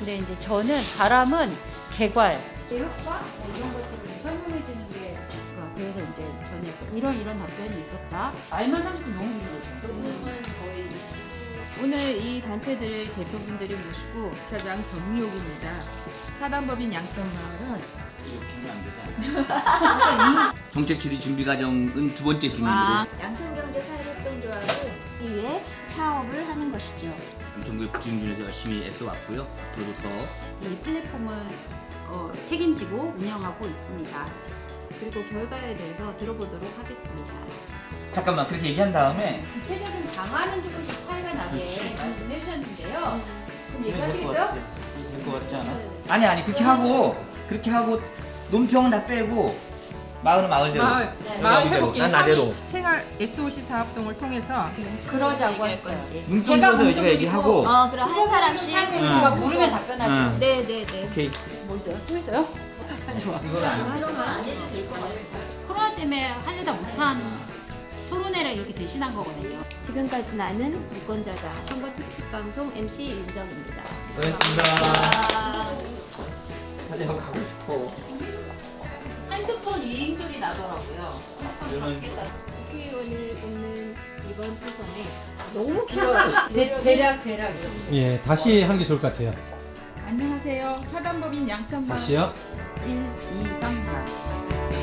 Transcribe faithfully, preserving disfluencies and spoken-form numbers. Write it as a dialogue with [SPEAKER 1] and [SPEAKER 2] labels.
[SPEAKER 1] 근데 이제 저는 바람은 개괄, 효과 뭐 이런 것들을 설명해 주는 게 어, 그래서 이제 저는 이런 이런 답변이 있었다. 말만 삼십 분 너무 긴 거죠.
[SPEAKER 2] 녹음은 거의 오늘 이 단체들 대표분들이 모시고 차장 정미옥입니다. 사단법인 양천마을은
[SPEAKER 3] 이렇게 하면 안 되잖아. 정책 질의 준비 과정은 두 번째 질문으로
[SPEAKER 2] 아,
[SPEAKER 4] 양천경제사회협동조합을 위해 사업을 하는 것이죠.
[SPEAKER 3] 전국의 복지인준에서 열심히 애써왔고요. 앞으로도 더
[SPEAKER 1] 이 플랫폼을 어, 책임지고 운영하고 있습니다. 그리고 결과에 대해서 들어보도록 하겠습니다.
[SPEAKER 3] 잠깐만 그렇게 얘기한 다음에
[SPEAKER 1] 구체적인 방안은 조금씩 차이가 나게 말씀해 주셨는데요. 그럼 얘기하시겠어요?
[SPEAKER 3] 될 것 같지 않아? 아니 아니 그렇게 하고 그렇게 하고 논평은 다 빼고 마을은 마을대로
[SPEAKER 2] 마을,
[SPEAKER 3] 여기
[SPEAKER 2] 마을
[SPEAKER 3] 여기대로,
[SPEAKER 2] 회복기
[SPEAKER 3] 난 나대로
[SPEAKER 2] 생활 에스오씨 사업동을 통해서
[SPEAKER 1] 그러자고 할 건지.
[SPEAKER 3] 문평에서 우리가 얘기하고
[SPEAKER 4] 어, 그럼 한 사람씩.
[SPEAKER 1] 제가 모르면 답변하시고.
[SPEAKER 3] 응.
[SPEAKER 4] 네네네.
[SPEAKER 3] 오케이
[SPEAKER 1] 뭐 있어요? 또 있어요? 좋아.
[SPEAKER 3] 이거는 안
[SPEAKER 4] 그러면 안 해도 될 것 같아요.
[SPEAKER 1] 코로나 때문에 하려다 못한 토론회를 이렇게 대신한 거거든요.
[SPEAKER 4] 지금까지 나는 유권자다. 선거 특집 방송 엠씨 윤정입니다.
[SPEAKER 3] 고맙습니다.
[SPEAKER 1] 아,
[SPEAKER 3] 사진 가고 싶어.
[SPEAKER 1] 핸드폰 위잉 소리 나더라고요.
[SPEAKER 3] 이거는
[SPEAKER 4] 국회의원을 뽑는 이번 초선에
[SPEAKER 1] 너무 길어요. 대, 대략 대략이요.
[SPEAKER 5] 예, 다시 하는 게 좋을 것 같아요.
[SPEAKER 2] 안녕하세요. 사단법인 양천마을
[SPEAKER 5] 다시요.
[SPEAKER 1] 일, 이, 삼, 사.